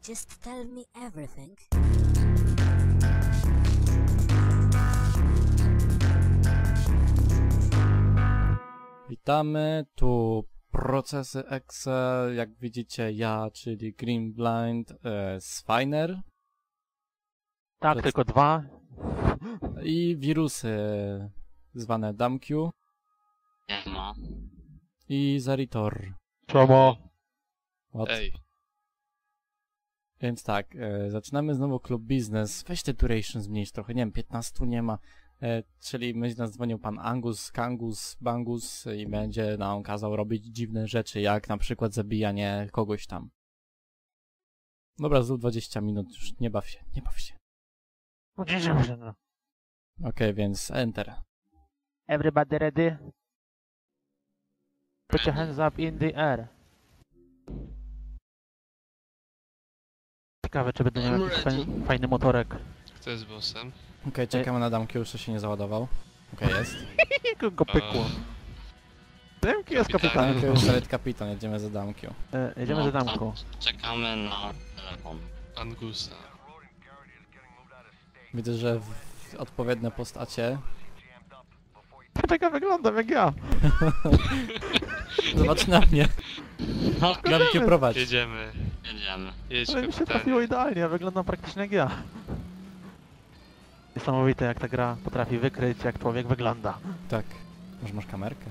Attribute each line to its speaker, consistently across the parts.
Speaker 1: Just tell me everything.
Speaker 2: Witamy, tu procesy Excel, jak widzicie ja, czyli Green Blind, Swiner.
Speaker 3: Tak, tylko dwa.
Speaker 2: I wirusy zwane DumQ i Zeritor.
Speaker 3: Czemu?
Speaker 4: Ej.
Speaker 2: Więc tak, zaczynamy znowu klub biznes. Weź te duration zmniejsz trochę, nie wiem, 15 nie ma. Czyli będzie nas dzwonił pan Angus, Kangus, Bangus i będzie nam kazał robić dziwne rzeczy, jak na przykład zabijanie kogoś tam. Dobra, znów 20 minut, już nie baw się, nie baw się. Okej, więc enter.
Speaker 3: Everybody ready? Put your hands up in the air. Ciekawe, czy będę miał jakiś fajny motorek.
Speaker 4: Kto jest bossem?
Speaker 2: Okej, czekamy na damkę, już się nie załadował. Okej, jest.
Speaker 3: Go pykło. Demki jest kapitan.
Speaker 2: Damkę już jest kapitan, jedziemy za damką.
Speaker 3: Jedziemy za damką.
Speaker 5: Czekamy na telefon.
Speaker 4: Angusa.
Speaker 2: Widzę, że w odpowiednie postacie.
Speaker 3: Tak ja wyglądam jak ja.
Speaker 2: Zobacz na mnie.
Speaker 5: No,
Speaker 2: Damkę prowadź.
Speaker 4: Jedziemy.
Speaker 5: jedziemy.
Speaker 4: Jedź,
Speaker 3: Ale mi się
Speaker 4: kapitanie.
Speaker 3: trafiło idealnie, ja wyglądam praktycznie jak ja. Niesamowite jak ta gra potrafi wykryć jak człowiek wygląda.
Speaker 2: Tak. Może masz kamerkę?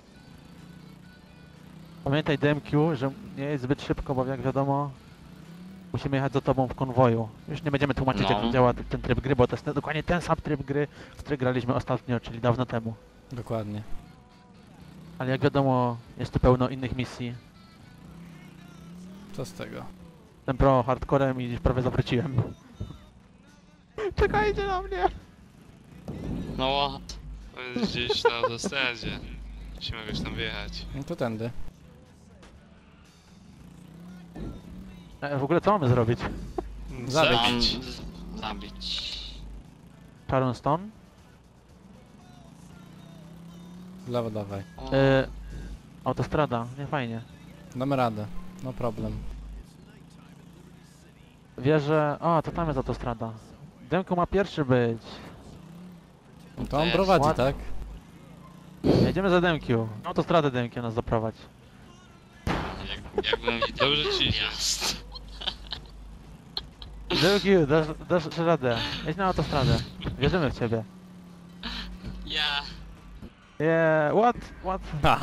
Speaker 3: Pamiętaj DMQ, że nie jest zbyt szybko, bo jak wiadomo musimy jechać za tobą w konwoju. Już nie będziemy tłumaczyć
Speaker 5: No.
Speaker 3: jak działa ten tryb gry, bo to jest dokładnie ten sam tryb gry, który graliśmy ostatnio, czyli dawno temu.
Speaker 2: Dokładnie.
Speaker 3: Ale jak wiadomo jest tu pełno innych misji.
Speaker 2: Co z tego?
Speaker 3: Ten pro hardcorem i prawie zawróciłem. Czekajcie na mnie!
Speaker 5: No what?
Speaker 4: On jest gdzieś na autostradzie. Musimy jakoś tam wjechać.
Speaker 2: No to tędy.
Speaker 3: W ogóle co mamy zrobić?
Speaker 2: Zabić.
Speaker 5: Zabić.
Speaker 3: Sharon Stone?
Speaker 2: W lewo dawaj.
Speaker 5: O,
Speaker 3: Autostrada, nie fajnie.
Speaker 2: Damy radę. No problem.
Speaker 3: Wierzę... O, to tam jest autostrada. Demko ma pierwszy być.
Speaker 2: No to on
Speaker 5: jest
Speaker 2: prowadzi,
Speaker 3: ładnie.
Speaker 2: tak?
Speaker 3: Jedziemy za Demkiu. Na autostradę Demkiu nas zaprowadź.
Speaker 5: jakbym widział
Speaker 4: Dobrze ci idzie.
Speaker 5: gwiazd.
Speaker 3: Demkiu, dasz radę. Jedź na autostradę. Wierzymy w ciebie.
Speaker 5: Ja.
Speaker 3: Yeah, what?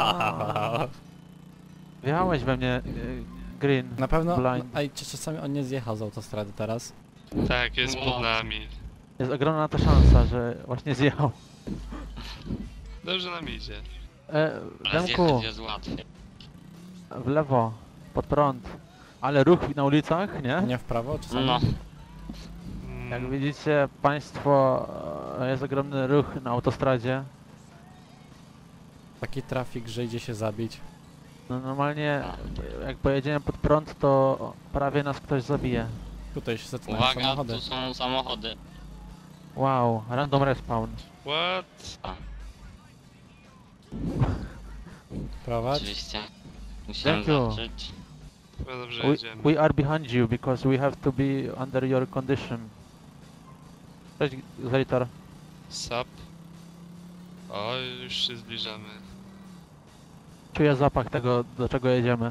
Speaker 3: Wjechałeś we mnie, Green.
Speaker 2: Na pewno.
Speaker 3: Blind.
Speaker 2: Ej, czy czasami on nie zjechał z autostrady teraz?
Speaker 4: Tak, jest pod nami.
Speaker 3: Jest ogromna ta szansa, że właśnie zjechał.
Speaker 4: Dobrze nam idzie.
Speaker 5: Ale
Speaker 3: Demku,
Speaker 5: zjechać jest łatwiej.
Speaker 3: w lewo, pod prąd. Ale ruch na ulicach, nie?
Speaker 2: Nie w prawo czasami?
Speaker 5: No.
Speaker 3: Jak widzicie państwo, jest ogromny ruch na autostradzie.
Speaker 2: Taki trafik, że idzie się zabić.
Speaker 3: No normalnie, jak pojedziemy pod prąd, to prawie nas ktoś zabije.
Speaker 2: Tutaj się zaczynają
Speaker 5: Uwaga,
Speaker 2: samochody.
Speaker 5: tu są samochody.
Speaker 3: Wow, random respawn.
Speaker 4: What?
Speaker 2: Prowadź.
Speaker 5: Oczywiście. Musiałem
Speaker 3: Thank you.
Speaker 5: zacząć.
Speaker 4: Chyba dobrze jedziemy.
Speaker 3: We are behind you because we have to be under your condition. Cześć, Zeritor.
Speaker 4: Sap. O, już się zbliżamy.
Speaker 3: Czuję zapach tego, do czego jedziemy.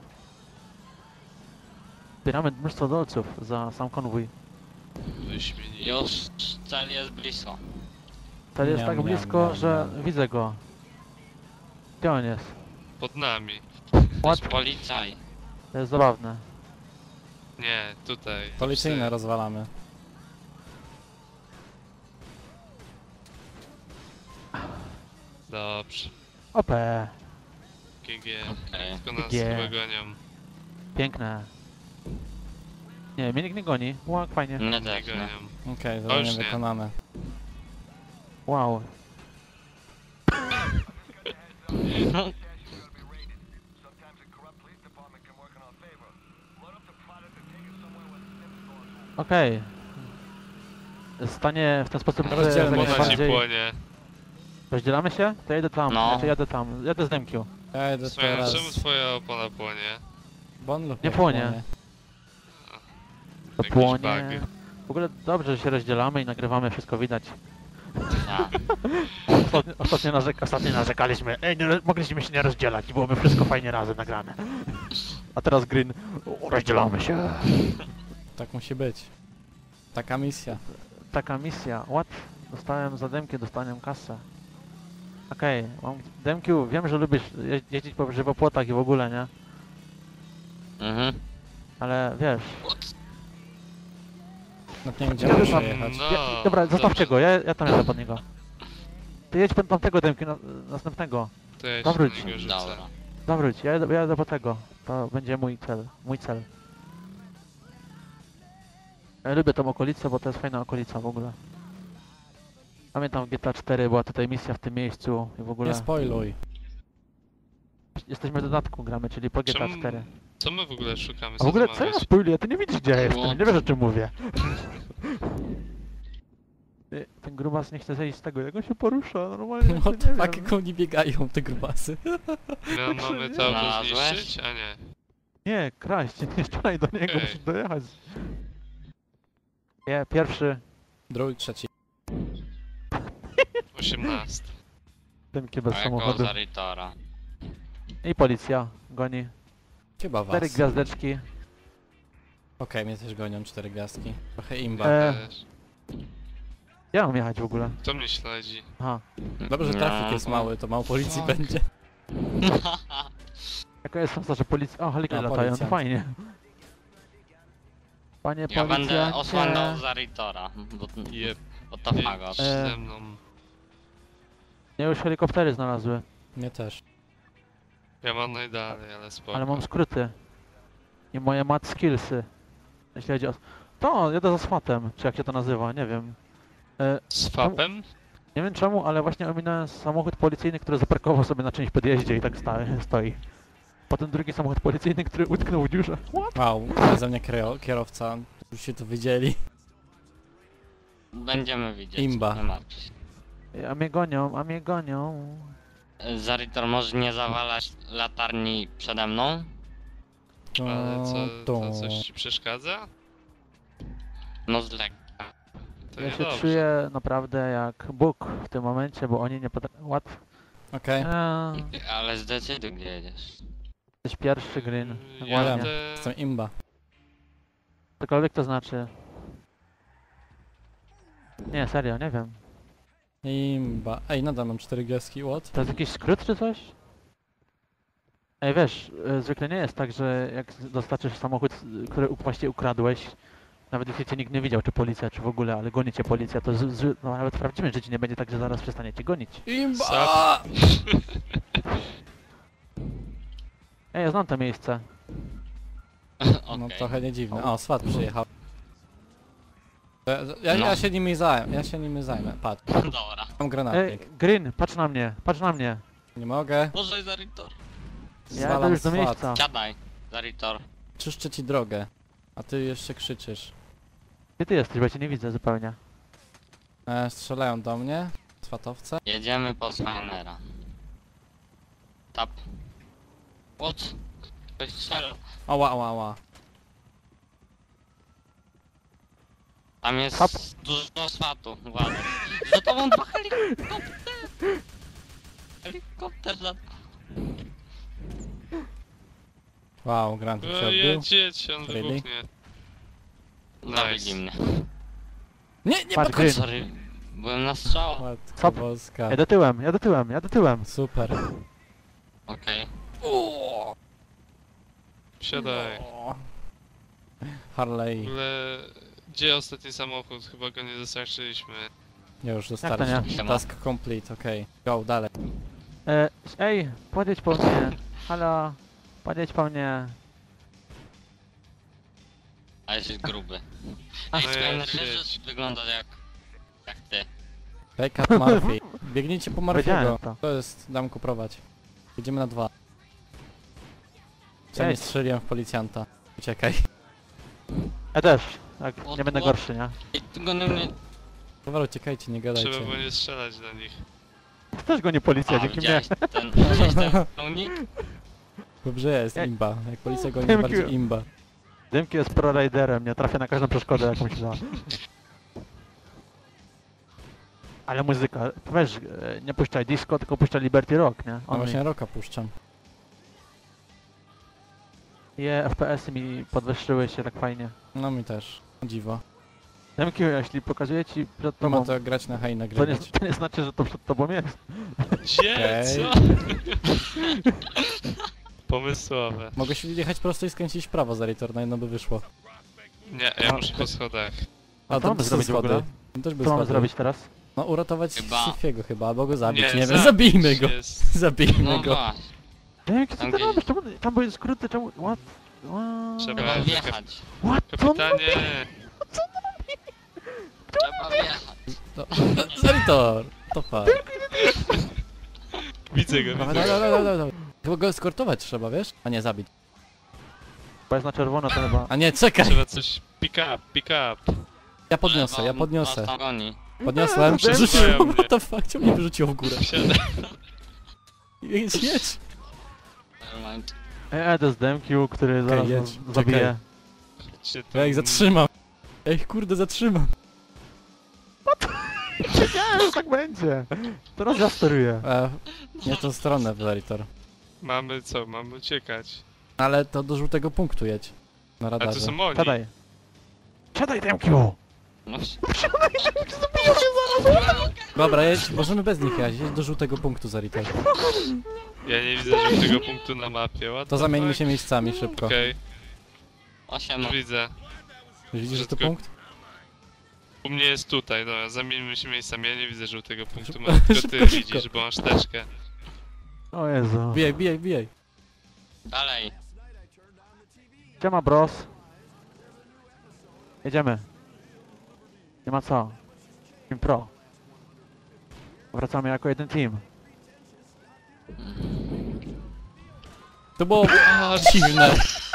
Speaker 3: Zbieramy mnóstwo dolców za sam konwój.
Speaker 4: Wyśmienicie.
Speaker 5: Już cel jest blisko.
Speaker 3: Cel jest
Speaker 2: Miam,
Speaker 3: tak
Speaker 2: miam,
Speaker 3: blisko,
Speaker 2: miam,
Speaker 3: że
Speaker 2: miam.
Speaker 3: widzę go. Gdzie on jest?
Speaker 4: Pod nami.
Speaker 5: To
Speaker 3: What?
Speaker 5: jest policaj.
Speaker 3: To jest zabawne.
Speaker 4: Nie, tutaj.
Speaker 2: Policyjne rozwalamy.
Speaker 4: Dobrze.
Speaker 3: OP.
Speaker 4: GG.
Speaker 5: Okej.
Speaker 4: Tylko nas
Speaker 3: GG.
Speaker 4: chyba gonią.
Speaker 3: Piękne. Nie, mnie nikt nie goni. Wow, fajnie.
Speaker 5: Mnie
Speaker 4: Nie
Speaker 5: też, nie?
Speaker 4: gonią.
Speaker 2: Okej, zadanie
Speaker 4: już nie.
Speaker 2: wykonane.
Speaker 3: Wow. Okej. Stanie w ten sposób, że
Speaker 2: Rozdzielmy
Speaker 3: jak
Speaker 2: się.
Speaker 4: Ona ci
Speaker 3: najbardziej...
Speaker 4: płonie.
Speaker 3: Rozdzielamy się? To jedę tam,
Speaker 5: No.
Speaker 3: znaczy jadę tam. Jadę z Demkiu.
Speaker 2: Ja jedę
Speaker 4: Słuchaj,
Speaker 2: teraz.
Speaker 4: czemu twoja opona płonie?
Speaker 2: Bon lub
Speaker 3: Nie płonie. To
Speaker 4: Jakiś
Speaker 3: płonie.
Speaker 4: bug.
Speaker 3: W ogóle dobrze, że się rozdzielamy i nagrywamy, wszystko widać.
Speaker 5: Tak.
Speaker 3: Ostatnio narzekaliśmy, ej, mogliśmy się nie rozdzielać i byłoby wszystko fajnie razem nagrane. A teraz Green, rozdzielamy się.
Speaker 2: Tak musi być. Taka misja.
Speaker 3: Taka misja, what? Dostałem za demki, dostałem kasę. Okej, mam Demkiu, wiem, że lubisz jeździć po żywopłotach i w ogóle, nie?
Speaker 5: Mhm.
Speaker 3: Ale wiesz...
Speaker 2: No nie wiem, gdzie
Speaker 3: Ja
Speaker 2: mam
Speaker 3: już mam-
Speaker 2: przejechać.
Speaker 4: No,
Speaker 3: Dobra, zostawcie
Speaker 4: dobrze.
Speaker 3: go, ja tam jadę pod niego. Ty jedź pod tamtego Demki, następnego.
Speaker 4: To ja się
Speaker 3: Dobra,
Speaker 4: do niego rzucę.
Speaker 5: Dobra.
Speaker 3: Zawróć, ja jadę po tego. To będzie mój cel. Ja lubię tą okolicę, bo to jest fajna okolica w ogóle. Pamiętam w GTA 4 była tutaj misja w tym miejscu i w ogóle...
Speaker 2: Nie spoiluj.
Speaker 3: Jesteśmy w dodatku gramy, czyli po GTA
Speaker 4: Czemu-
Speaker 3: 4.
Speaker 4: Co my w ogóle szukamy?
Speaker 3: A w ogóle
Speaker 4: to
Speaker 3: co
Speaker 4: ma
Speaker 3: ja
Speaker 4: być?
Speaker 3: spoiluję? Ty nie widzisz gdzie ja jestem, nie wiesz o czym mówię. Ten grubas nie chce zejść z tego, jak on się porusza, normalnie
Speaker 2: No
Speaker 3: nie
Speaker 2: to
Speaker 3: wiem.
Speaker 2: jak oni biegają, te grubasy.
Speaker 4: My mamy to auto
Speaker 5: Znalazłeś?
Speaker 4: zniszczyć? A nie.
Speaker 3: Nie, kraść, nie strzelaj do niego,
Speaker 4: Okej.
Speaker 3: musisz dojechać. Nie, pierwszy,
Speaker 2: Drugi, trzeci.
Speaker 4: 18.
Speaker 3: ten bez
Speaker 5: A jako
Speaker 3: samochodu.
Speaker 5: Zaritora.
Speaker 3: I policja goni.
Speaker 2: Chyba
Speaker 3: 4
Speaker 2: was.
Speaker 3: gwiazdeczki.
Speaker 2: Okej, mnie też gonią 4 gwiazdki. Trochę imba.
Speaker 4: Też.
Speaker 3: Ja mam jechać w ogóle.
Speaker 4: Kto mnie śledzi?
Speaker 3: Aha.
Speaker 2: Dobrze, że trafik
Speaker 5: No,
Speaker 2: jest
Speaker 5: bo-
Speaker 2: mały, to mało policji
Speaker 5: Tak.
Speaker 2: będzie.
Speaker 3: Jaka jest szansa, że policja... O, helikoptery
Speaker 2: No,
Speaker 3: latają, to
Speaker 2: policjant.
Speaker 3: fajnie. Panie
Speaker 5: Ja
Speaker 3: policjancie...
Speaker 5: będę osłaniał Zaritora.
Speaker 4: Jeb.
Speaker 5: Bo to fagot.
Speaker 4: Jedź ze mną.
Speaker 3: Nie, już helikoptery znalazły,
Speaker 2: Mnie też.
Speaker 4: Ja mam najdalej, ale spoko.
Speaker 3: ale mam skróty. I moje mat skillsy. Jeśli chodzi o... To, jadę za SWAT-em, czy jak się to nazywa, nie wiem.
Speaker 4: Z fapem?
Speaker 3: Nie wiem czemu, ale właśnie ominąłem samochód policyjny, który zaparkował sobie na czymś podjeździe i tak stoi. Potem drugi samochód policyjny, który utknął w dziurze. What?
Speaker 2: Wow, ze mnie kierowca. Już się to wiedzieli.
Speaker 5: Będziemy widzieć.
Speaker 2: Imba.
Speaker 5: Nie martw się.
Speaker 3: A mnie gonią, a mnie gonią.
Speaker 5: Zaritor może nie zawalać latarni przede mną?
Speaker 4: Ale co,
Speaker 2: To-
Speaker 4: to coś ci przeszkadza?
Speaker 5: No z lekka.
Speaker 4: To
Speaker 3: Ja się
Speaker 4: niedobrze.
Speaker 3: czuję naprawdę jak Bóg w tym momencie, bo oni nie potrafią... What?
Speaker 2: Okej.
Speaker 5: Ale zdecyduj gdzie jedziesz.
Speaker 3: Jesteś pierwszy, Green.
Speaker 4: Jadę...
Speaker 3: Ładnie.
Speaker 2: Jestem imba.
Speaker 3: Cokolwiek to znaczy. Nie, serio, nie wiem.
Speaker 2: Imba. Ej, nadal mam 4 gwiazdki, what?
Speaker 3: To jest jakiś skrót czy coś? Ej, wiesz, zwykle nie jest tak, że jak dostarczysz samochód, który właściwie ukradłeś, nawet jeśli cię nikt nie widział, czy policja, czy w ogóle, ale goni cię policja, to no, nawet w prawdziwym życiu nie będzie tak, że zaraz przestanie cię gonić.
Speaker 2: Imba!
Speaker 3: Ej, ja znam to miejsce.
Speaker 2: No
Speaker 5: Okej.
Speaker 2: trochę nie dziwne. O, SWAT przyjechał. Ja
Speaker 5: No.
Speaker 2: się nimi zajmę, patrz.
Speaker 5: Dobra.
Speaker 2: Mam
Speaker 3: Ej,
Speaker 2: granatnik.
Speaker 3: Green, patrz na mnie, patrz na mnie.
Speaker 2: Nie mogę.
Speaker 5: Boże Zaritor.
Speaker 3: Ja jadę
Speaker 2: Zwalam
Speaker 3: już do
Speaker 2: SWAT.
Speaker 3: miejsca.
Speaker 5: Siadaj. Zaritor.
Speaker 2: Czyszczę ci drogę. A ty jeszcze krzyczysz.
Speaker 3: Gdzie ty jesteś, bo ja cię nie widzę zupełnie.
Speaker 2: Strzelają do mnie. Swatowce.
Speaker 5: Jedziemy po Swainera. Tap. What? Ktoś strzela.
Speaker 2: Ała, ała, ała.
Speaker 5: Tam jest
Speaker 3: Tap.
Speaker 5: dużo swatu. Uważaj. Za tobą dwa helikopter. Helikopter za...
Speaker 2: Wow, Grant się odbił.
Speaker 4: Jedź, on
Speaker 2: Really?
Speaker 4: wybuchnie.
Speaker 5: Zabili
Speaker 4: Nice.
Speaker 5: mnie.
Speaker 2: Nie
Speaker 3: Patrz,
Speaker 2: podchodź!
Speaker 3: Green.
Speaker 5: Sorry. Byłem na strzał.
Speaker 2: Matko
Speaker 3: Stop.
Speaker 2: boska.
Speaker 3: Jadę tyłem, jadę tyłem, jadę tyłem.
Speaker 2: Super.
Speaker 5: Okej.
Speaker 4: Wsiadaj.
Speaker 2: O.
Speaker 4: W
Speaker 2: Harley.
Speaker 4: ogóle... Gdzie ostatni samochód? Chyba go nie dostarczyliśmy.
Speaker 2: Nie, już
Speaker 3: to
Speaker 2: dostarczy.
Speaker 3: nie?
Speaker 2: Task complete, okej. Go, dalej.
Speaker 3: Ej, podjedź po mnie. Halo, podjedź po mnie.
Speaker 5: A jesteś gruby.
Speaker 3: A,
Speaker 5: Ej,
Speaker 4: no
Speaker 5: Swainer,
Speaker 4: jedź,
Speaker 5: wiesz,
Speaker 4: jedź.
Speaker 5: że wygląda jak ty.
Speaker 2: Backup Murphy. Biegnijcie po Murphy'ego.
Speaker 3: Powiedziałem to.
Speaker 2: To jest, Damku, prowadź. Jedziemy na 2. Co nie
Speaker 3: Jedź.
Speaker 2: strzeliłem w policjanta. Uciekaj.
Speaker 3: Ja też. Tak,
Speaker 5: O,
Speaker 3: nie będę
Speaker 5: o.
Speaker 3: gorszy, nie?
Speaker 5: Ej, ty go na mnie...
Speaker 2: Dobra, uciekajcie, nie gadajcie.
Speaker 4: Trzeba było nie strzelać do nich.
Speaker 3: Też go nie policja,
Speaker 5: A,
Speaker 3: dzięki mnie.
Speaker 5: widziałeś widziałeś ten pełnik?
Speaker 2: Dobrze jest,
Speaker 3: Ej.
Speaker 2: imba. Jak policja goni,
Speaker 3: Thank
Speaker 2: bardziej
Speaker 3: you.
Speaker 2: imba.
Speaker 3: Dymki jest pro-riderem, nie trafia na każdą przeszkodę jakąś da. Ale muzyka, weź, nie puszczaj disco, tylko puszczaj Liberty Rock, nie?
Speaker 2: No
Speaker 3: On
Speaker 2: właśnie rocka puszczam.
Speaker 3: FPS-y mi podwyższyły się tak fajnie.
Speaker 2: No mi też. Dziwo.
Speaker 3: Dymki, jeśli pokazuję ci przed
Speaker 2: To ma
Speaker 3: tobą,
Speaker 2: to grać na hej
Speaker 3: to nie,
Speaker 2: nagrywać.
Speaker 3: to nie znaczy, że to przed tobą jest.
Speaker 4: Gdzie?
Speaker 2: Okej.
Speaker 4: Co? Pomysłowe.
Speaker 2: Mogę się jechać prosto i skręcić w prawo za Ritor, na jedno by wyszło.
Speaker 4: Nie, ja muszę po schodach.
Speaker 3: A co mamy
Speaker 2: są
Speaker 3: zrobić w ogóle?
Speaker 2: Tam też by
Speaker 3: Co mamy
Speaker 2: schody.
Speaker 3: zrobić teraz?
Speaker 2: No uratować
Speaker 5: Chyba.
Speaker 2: Syfiego chyba, albo go zabić, nie,
Speaker 4: Nie,
Speaker 2: wiem, zabijmy go.
Speaker 4: jest.
Speaker 2: Zabijmy
Speaker 5: No
Speaker 2: go.
Speaker 5: właśnie,
Speaker 3: Dymki, co
Speaker 5: Tam
Speaker 3: ty
Speaker 5: gdzieś-
Speaker 3: robisz? Czemu, tam były skróty, czemu... What?
Speaker 4: Trzeba-
Speaker 5: trzeba wjechać.
Speaker 3: What? Co on
Speaker 4: Kapitanie!
Speaker 5: Trzeba wjechać.
Speaker 2: No, za Ritor! To far.
Speaker 4: Widzę go,
Speaker 2: Dawaj,
Speaker 4: widzę
Speaker 2: dawaj,
Speaker 4: go.
Speaker 2: dawaj, dawaj. Chyba go eskortować trzeba, wiesz? A nie, zabić.
Speaker 3: Bo jest na czerwono, to chyba...
Speaker 2: A nie, czekaj!
Speaker 4: Trzeba coś... Pick up, pick up.
Speaker 2: Ja podniosę,
Speaker 5: Bo
Speaker 2: ja
Speaker 5: on
Speaker 2: podniosę.
Speaker 5: nas tam goni.
Speaker 2: Podniosłem,
Speaker 4: Przesuwają
Speaker 2: przerzuciłem,
Speaker 4: mnie.
Speaker 2: what the fuck, czemu mnie wyrzuciło w górę?
Speaker 4: Wsiadaj.
Speaker 2: Jedź, jedź!
Speaker 5: Nevermind.
Speaker 3: To jest Demkiu, który zaraz
Speaker 2: jedź,
Speaker 3: nas zabije.
Speaker 4: Chodźcie tu.
Speaker 2: Ja ich zatrzymam. Ja ich kurde zatrzymam.
Speaker 3: Wiedziałem, że tak będzie. Teraz ja steruję.
Speaker 2: Nie tą stronę, Ritor.
Speaker 4: Mamy co? Mamy uciekać.
Speaker 2: Ale to do żółtego punktu jedź. Na
Speaker 4: A to
Speaker 2: radarze.
Speaker 4: są oni.
Speaker 3: Siadaj. Siadaj, Demkiu!
Speaker 5: No,
Speaker 2: Dobra, jedź, możemy bez nich jechać, jedź do żółtego punktu za Ritor.
Speaker 4: Ja nie widzę żadnego punktu na mapie. What
Speaker 2: To
Speaker 4: the
Speaker 2: zamieńmy
Speaker 4: fuck?
Speaker 2: się miejscami szybko.
Speaker 4: Okej,
Speaker 5: 8.
Speaker 4: już widzę.
Speaker 2: Widzisz ten
Speaker 4: Wszystko-
Speaker 2: punkt?
Speaker 4: U mnie jest tutaj, dobra, zamieńmy się miejscami, ja nie widzę żółtego punktu, może tylko ty
Speaker 2: Szybko, szybko.
Speaker 4: widzisz, bo masz teczkę.
Speaker 3: O Jezu.
Speaker 2: Bijaj, bijaj, bijaj.
Speaker 5: Dalej.
Speaker 3: Siema, bros. Jedziemy. Nie ma co. Team Pro. Wracamy jako jeden team.
Speaker 2: To było dziwne.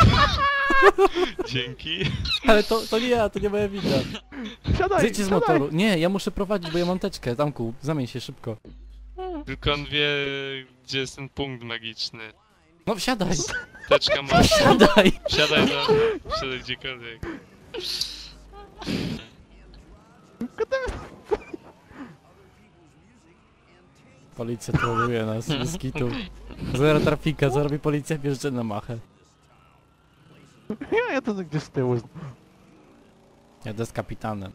Speaker 4: Dzięki.
Speaker 2: Ale to nie ja, to nie moja wina.
Speaker 3: Siadaj,
Speaker 2: Zejdźcie z motoru. Nie, ja muszę prowadzić, bo ja mam teczkę. Tamku, zamień się szybko.
Speaker 4: Tylko on wie, gdzie jest ten punkt magiczny.
Speaker 2: No wsiadaj,
Speaker 4: Teczka ma.
Speaker 2: wsiadaj.
Speaker 4: Wsiadaj wsiadaj gdziekolwiek.
Speaker 2: Policja troluje nas, bez kitu. Zero trafika, co robi policja? Bierze na machę.
Speaker 3: Ja to gdzieś z tyłu.
Speaker 2: Jadę z kapitanem.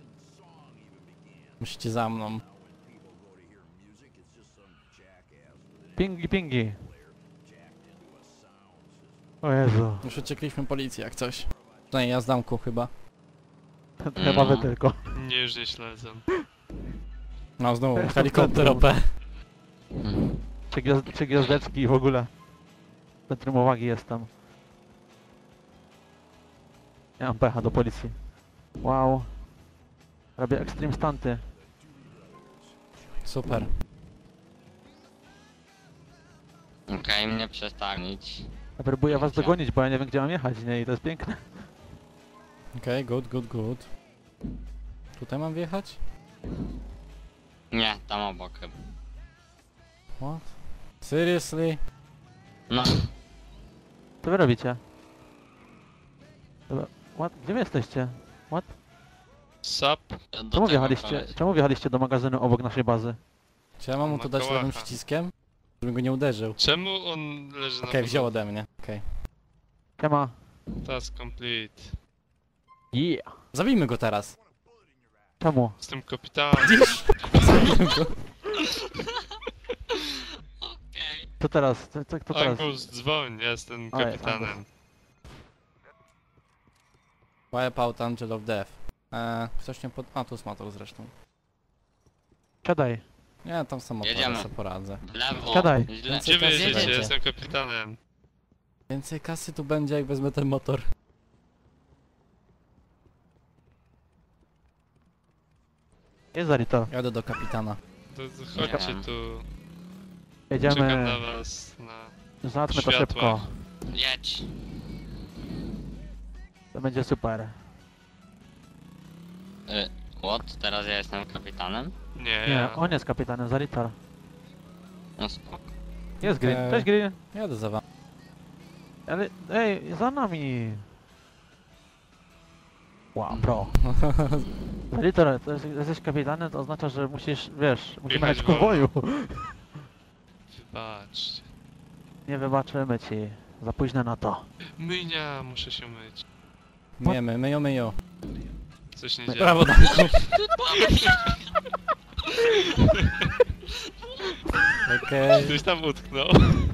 Speaker 2: Musicie za mną.
Speaker 3: Pingi, pingi. O Jezu.
Speaker 2: Już uciekliśmy policji jak coś. To nie, ja z damku chyba.
Speaker 3: Chyba wy tylko.
Speaker 4: Nie, już nie śledzą.
Speaker 2: No znowu, helikopter OP.
Speaker 3: Trzy gwiazdeczki i w ogóle. Centrum uwagi jest tam. Ja mam pecha do policji. Wow. Robię extreme stunty.
Speaker 2: Super.
Speaker 5: Okej, mnie przestanić.
Speaker 3: Ja próbuję was dogonić, bo ja nie wiem gdzie mam jechać, nie? I to jest piękne.
Speaker 2: Okej, good, good, good. Tutaj mam wjechać?
Speaker 5: Nie, tam obok chyba.
Speaker 2: What? Seriously?
Speaker 5: No,
Speaker 3: Co wy robicie? Dobra. What? Gdzie wy jesteście? What?
Speaker 4: Sap.
Speaker 5: do tego koleś.
Speaker 3: Czemu wjechaliście do magazynu obok naszej bazy?
Speaker 2: Czy ja mam mu to dać
Speaker 4: Makałacha.
Speaker 2: lewym przyciskiem? Żebym go nie uderzył.
Speaker 4: Czemu on leży na
Speaker 2: Okej, wziął
Speaker 4: podłodze?
Speaker 2: ode mnie. Okej.
Speaker 3: Siema.
Speaker 4: Task complete.
Speaker 3: Yeah.
Speaker 2: Zabijmy go teraz.
Speaker 3: Czemu?
Speaker 4: Jestem kapitanem.
Speaker 2: Zabijmy go.
Speaker 5: Okej.
Speaker 3: Co teraz? Co teraz?
Speaker 4: Angus, dzwoń, ja jestem
Speaker 3: A, jest
Speaker 4: kapitanem.
Speaker 2: Wipe out Angel of Death. Ktoś nie pod... A, tu jest motor zresztą.
Speaker 3: Siadaj.
Speaker 2: Nie, tam samochód
Speaker 5: Jedziemy.
Speaker 2: sobie poradzę.
Speaker 5: W lewo.
Speaker 3: Siadaj.
Speaker 5: Źle.
Speaker 4: Gdzie wy jedziecie?
Speaker 2: Jedziecie.
Speaker 4: Ja jestem kapitanem.
Speaker 2: Więcej kasy tu będzie, jak wezmę ten motor.
Speaker 3: Jest Zarito.
Speaker 2: Jadę do kapitana.
Speaker 4: To chodźcie
Speaker 5: wiem.
Speaker 4: tu.
Speaker 3: Jedziemy.
Speaker 4: Czekam na was.
Speaker 3: Załatwmy to
Speaker 4: światła.
Speaker 3: szybko.
Speaker 5: Jedź.
Speaker 3: To będzie super.
Speaker 5: What? Teraz ja jestem kapitanem?
Speaker 4: Nie,
Speaker 3: Nie,
Speaker 4: ja.
Speaker 3: on jest kapitanem, Zaritar.
Speaker 5: No spoko.
Speaker 3: Jest Green. Cześć Green.
Speaker 2: Jadę za wami.
Speaker 3: Ale, ej, za nami. Wow, bro. Litor, to jesteś kapitanem, to oznacza, że musisz, wiesz, musimy
Speaker 4: Jechać
Speaker 3: jechać w konwoju.
Speaker 4: Wybaczcie.
Speaker 3: Nie wybaczymy ci. Za późno na to.
Speaker 4: Myjnia, muszę się myć.
Speaker 2: Myjemy, myjo.
Speaker 4: Coś nie
Speaker 3: My-
Speaker 4: dzieje.
Speaker 2: Brawo, Danku. Okej.
Speaker 4: Ktoś tam utknął.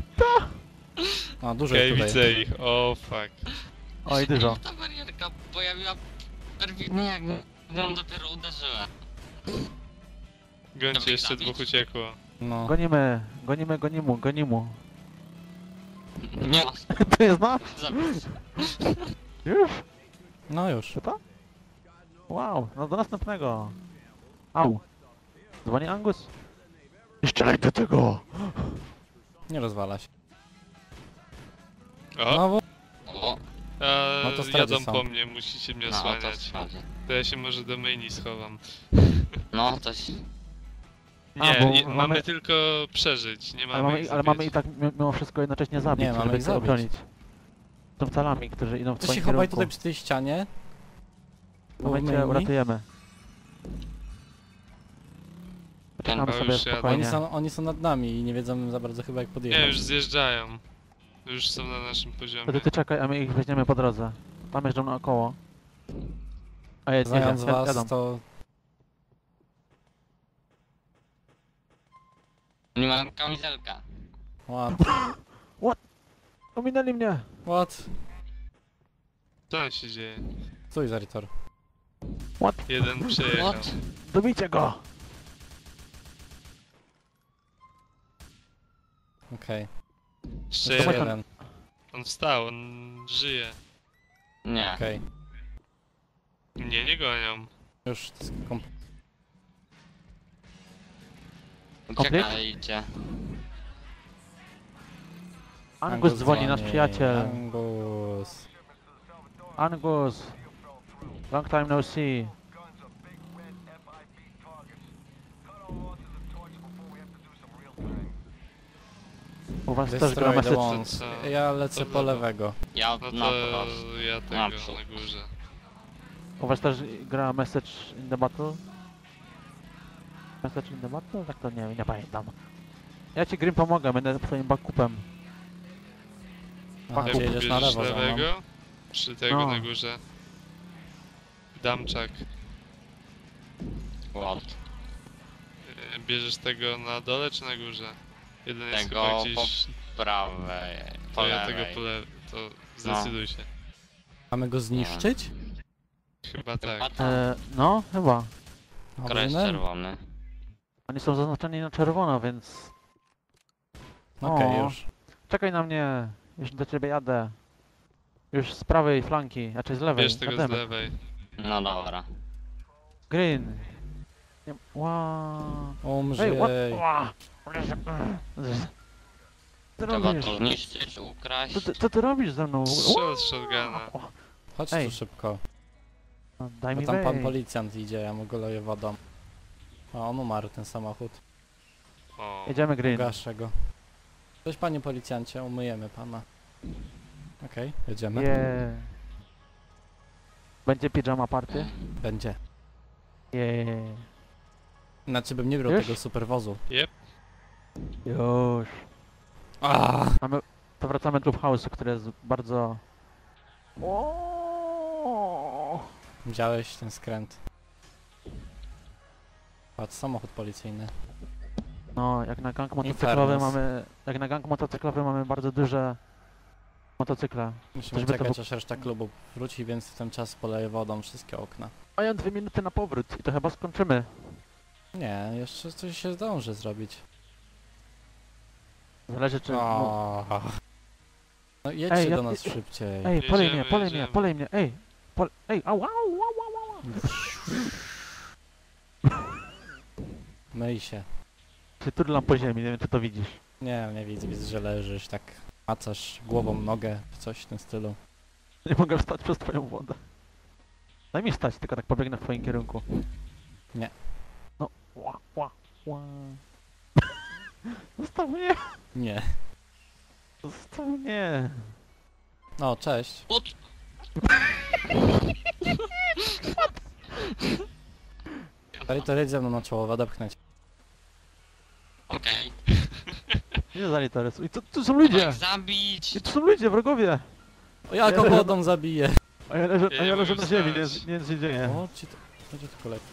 Speaker 2: A, dużo
Speaker 4: Okej,
Speaker 2: jest tutaj.
Speaker 4: widzę ich. O, fuck.
Speaker 3: Oj, dużo.
Speaker 5: Ta barierka pojawiła perfidnie jak ją dopiero uderzyłem.
Speaker 4: Gońcie, jeszcze dwóch uciekło.
Speaker 2: No.
Speaker 3: Gonimy.
Speaker 5: Nie,
Speaker 3: To jest nasz?
Speaker 5: zabić.
Speaker 3: Już?
Speaker 2: No już.
Speaker 3: Czy to? Wow, no do następnego. Au. Dzwoni Angus. Nie strzelaj do tego!
Speaker 2: Nie rozwala się.
Speaker 4: O,
Speaker 2: No bo...
Speaker 5: O,
Speaker 2: No to straty
Speaker 4: jadą
Speaker 2: są.
Speaker 4: po mnie, musicie mnie
Speaker 5: no o to
Speaker 4: osłaniać.
Speaker 5: chodzi.
Speaker 4: To ja się może do myjni schowam.
Speaker 5: No, to się...
Speaker 3: A,
Speaker 4: Nie,
Speaker 3: bo
Speaker 4: mamy
Speaker 3: mamy-
Speaker 4: tylko przeżyć, nie mamy ich
Speaker 3: Ale mamy
Speaker 4: zabić.
Speaker 3: i tak mimo wszystko jednocześnie zabić,
Speaker 2: Nie, mamy
Speaker 3: żeby
Speaker 2: ich
Speaker 3: ich
Speaker 2: zabić.
Speaker 3: obronić. Są calami, którzy idą w
Speaker 2: Ty
Speaker 3: twoim
Speaker 2: się chowaj
Speaker 3: kierunku.
Speaker 2: tutaj przy tej ścianie.
Speaker 3: W momencie
Speaker 2: myjni.
Speaker 3: uratujemy. Poczekamy
Speaker 5: Ten-
Speaker 3: sobie
Speaker 4: już jadą.
Speaker 3: spokojnie.
Speaker 2: Oni są nad nami i nie wiedzą za bardzo chyba jak
Speaker 4: Nie,
Speaker 2: podjechać.
Speaker 4: już zjeżdżają. Już są na naszym
Speaker 3: To
Speaker 4: poziomie.
Speaker 3: ty czekaj, a my ich weźmiemy po drodze. Tam jeżdżą naokoło. A jedź,
Speaker 2: Znając
Speaker 3: jadą.
Speaker 2: was, to...
Speaker 5: Nie mam kamizelka.
Speaker 2: What?
Speaker 3: Ominęli mnie!
Speaker 2: What?
Speaker 4: Co tam się dzieje?
Speaker 2: Stój, Zaritor.
Speaker 4: Jeden przejechał.
Speaker 5: What?
Speaker 3: Dobijcie go!
Speaker 2: Okej.
Speaker 4: Jeszcze
Speaker 2: Jeszcze
Speaker 4: jeden.
Speaker 2: jeden.
Speaker 4: On wstał, on żyje.
Speaker 5: Nie.
Speaker 2: Okej.
Speaker 4: Mnie nie gonią.
Speaker 2: Już to jest
Speaker 5: Uciekajcie.
Speaker 3: Angus dzwoni, nasz przyjaciel.
Speaker 2: Angus.
Speaker 3: Angus! Long time no see. U was też gra
Speaker 2: Destroy the
Speaker 3: message.
Speaker 2: ones.
Speaker 4: Co?
Speaker 2: Ja lecę
Speaker 4: To
Speaker 2: po
Speaker 4: lewo.
Speaker 2: lewego.
Speaker 5: Ja
Speaker 4: No
Speaker 5: na
Speaker 4: to
Speaker 5: prost.
Speaker 4: ja tego
Speaker 5: Naprzód.
Speaker 4: na górze.
Speaker 3: U was też gra message in the battle? Message in the battle? Tak to nie pamiętam. Ja ci Grim pomogę, będę twoim backupem.
Speaker 2: Aha,
Speaker 3: Jak
Speaker 2: czy jedziesz na
Speaker 4: Bierzesz
Speaker 2: lewo za mną?
Speaker 4: lewego? Czy tego
Speaker 3: No.
Speaker 4: na górze? Damczak.
Speaker 5: What?
Speaker 4: Bierzesz tego na dole czy na górze? Jeden jest
Speaker 5: Tego
Speaker 4: chyba gdzieś...
Speaker 5: Prawej. Po
Speaker 4: To ja tego
Speaker 5: lewej.
Speaker 4: po lewej. To zdecyduj się.
Speaker 2: Mamy go zniszczyć?
Speaker 4: Chyba tak.
Speaker 5: Chyba tak.
Speaker 3: No, chyba.
Speaker 5: Kres
Speaker 2: Dobrze,
Speaker 5: czerwony.
Speaker 3: Oni są zaznaczeni na czerwono, więc...
Speaker 2: Okej,
Speaker 3: O.
Speaker 2: już.
Speaker 3: Czekaj na mnie! Już do ciebie jadę. Już z prawej flanki, znaczy z lewej.
Speaker 4: Bierz tego z
Speaker 3: Jademy.
Speaker 4: lewej.
Speaker 5: No dobra.
Speaker 3: Green! Nie... Wow.
Speaker 2: Umrzyj.
Speaker 3: what? Ła. Co ty
Speaker 5: Trzeba
Speaker 3: robisz?
Speaker 5: to zniszczyć, ukraść.
Speaker 3: Co ty robisz ze mną?
Speaker 4: Strzel z shotguna.
Speaker 2: Chodź
Speaker 3: Ej.
Speaker 2: tu szybko.
Speaker 3: Daj
Speaker 2: Bo
Speaker 3: mi
Speaker 2: tam pan
Speaker 3: wejść.
Speaker 2: policjant idzie, ja mu go leję wodą. A on umarł, ten samochód.
Speaker 4: O.
Speaker 3: Jedziemy Green.
Speaker 2: Gaszę go. Cześć panie policjancie, umyjemy pana. Okej, jedziemy.
Speaker 3: Yeah. Będzie pijama party?
Speaker 2: Będzie.
Speaker 3: Yeah.
Speaker 2: Znaczy bym nie brał
Speaker 3: Już?
Speaker 2: tego superwozu.
Speaker 3: Już.
Speaker 2: A,
Speaker 3: To wracamy do House'u, który jest bardzo... O.
Speaker 2: Widziałeś ten skręt. Patrz, samochód policyjny.
Speaker 3: No, jak na gang motocyklowy
Speaker 2: Infernus.
Speaker 3: mamy... Jak na gang motocyklowy mamy bardzo duże... motocykle.
Speaker 2: Musimy
Speaker 3: Żeby to
Speaker 2: czekać
Speaker 3: był-
Speaker 2: aż reszta klubu wróci, więc w ten czas poleję wodą wszystkie okna.
Speaker 3: Mają 2 minuty na powrót i to chyba skończymy.
Speaker 2: Nie, jeszcze coś się zdąży zrobić.
Speaker 3: Zależy czy... No,
Speaker 2: O. No jedźcie
Speaker 3: Ej, ja-
Speaker 2: do nas szybciej.
Speaker 3: ej, polej mnie,
Speaker 4: Jedziemy.
Speaker 3: polej mnie, ej! Ej, au, au, au, au, au.
Speaker 2: Myj się.
Speaker 3: Się turlam po ziemi, nie wiem czy to widzisz.
Speaker 2: Nie widzę, widzę, że leżysz tak. Macasz głową nogę, coś w tym stylu.
Speaker 3: Nie mogę wstać przez twoją wodę. Daj mi wstać, tylko tak pobiegnę w twoim kierunku.
Speaker 2: Nie.
Speaker 3: No, ła. Zostaw mnie,
Speaker 2: Nie.
Speaker 3: zostaw mnie.
Speaker 2: O, cześć.
Speaker 5: Ut!
Speaker 2: Zalitor, jedź ze mną na czołowe, odepchnę cię.
Speaker 5: Okej.
Speaker 3: Nie za literes. I tu są ludzie!
Speaker 5: Tak, zabić!
Speaker 3: I tu są ludzie, wrogowie!
Speaker 2: O, ja go wodą zabiję.
Speaker 3: A ja leżę na ziemi, nie się dzieje.
Speaker 2: O, ci to... Będzie tylko lepiej.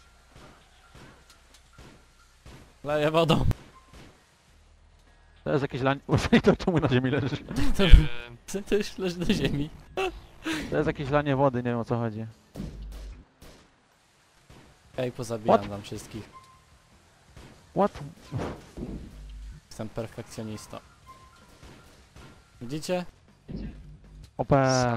Speaker 2: Leję wodą.
Speaker 3: To jest jakieś lanie... Właśnie to czemu na ziemi leżysz?
Speaker 4: Nie wiem.
Speaker 2: Ty już leży na ziemi.
Speaker 3: To jest jakieś lanie wody, nie wiem o co chodzi.
Speaker 2: Ej, pozabijam
Speaker 3: What?
Speaker 2: wam wszystkich.
Speaker 3: What?
Speaker 2: Jestem perfekcjonistą. Widzicie?
Speaker 3: OP.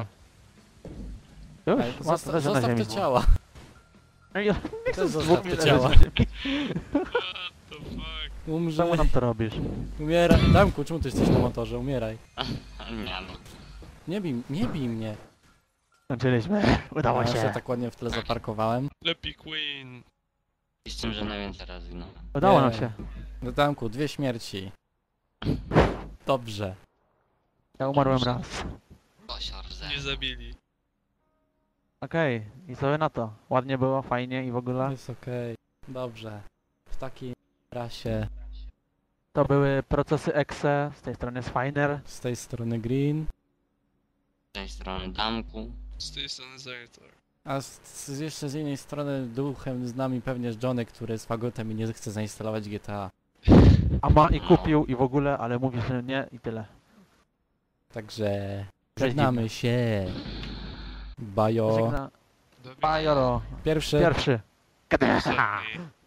Speaker 3: Już?
Speaker 2: Ej,
Speaker 3: What? Leżę na
Speaker 2: zostaw
Speaker 3: ziemi.
Speaker 2: te ciała.
Speaker 3: Ej, ja nie chcę
Speaker 2: Też
Speaker 3: z
Speaker 2: zostaw
Speaker 3: dwóch
Speaker 2: te
Speaker 3: leżeć
Speaker 2: ciała.
Speaker 3: na ziemi.
Speaker 4: What the fuck?
Speaker 2: Umrze.
Speaker 3: Czemu nam to robisz?
Speaker 2: Umieraj. Damku, czemu ty jesteś na motorze? Umieraj.
Speaker 5: Nie no.
Speaker 2: Nie bij mnie.
Speaker 3: Skończyliśmy. Udało
Speaker 2: Ja się
Speaker 3: się.
Speaker 2: tak ładnie w tle zaparkowałem.
Speaker 4: Lepiej Queen.
Speaker 5: I z tym, że najwięcej razy no.
Speaker 3: Udało nam
Speaker 2: Nie.
Speaker 3: się.
Speaker 2: No Damku, 2 śmierci. Dobrze.
Speaker 3: Ja umarłem raz.
Speaker 5: Kosior ze.
Speaker 4: Nie zabili.
Speaker 3: Okej, i co wy na to? Ładnie było, fajnie i w ogóle.
Speaker 2: Jest okej. Dobrze. W takiej rasie
Speaker 3: To były procesy EXE, z tej strony jest Finer.
Speaker 2: z tej strony Green,
Speaker 5: Z tej strony damku.
Speaker 4: Z tej strony Zaritor.
Speaker 2: a jeszcze z innej strony duchem z nami pewnie jest Johnny, który jest fagotem i nie chce zainstalować GTA.
Speaker 3: A ma i kupił i w ogóle, ale mówi, że nie i tyle.
Speaker 2: Także
Speaker 3: Cześć,
Speaker 2: żegnamy się. Bajo.
Speaker 3: Żegna...
Speaker 4: Do widzenia.
Speaker 3: Bajoro.
Speaker 2: Pierwszy.
Speaker 3: Pierwszy.
Speaker 4: Ostatni.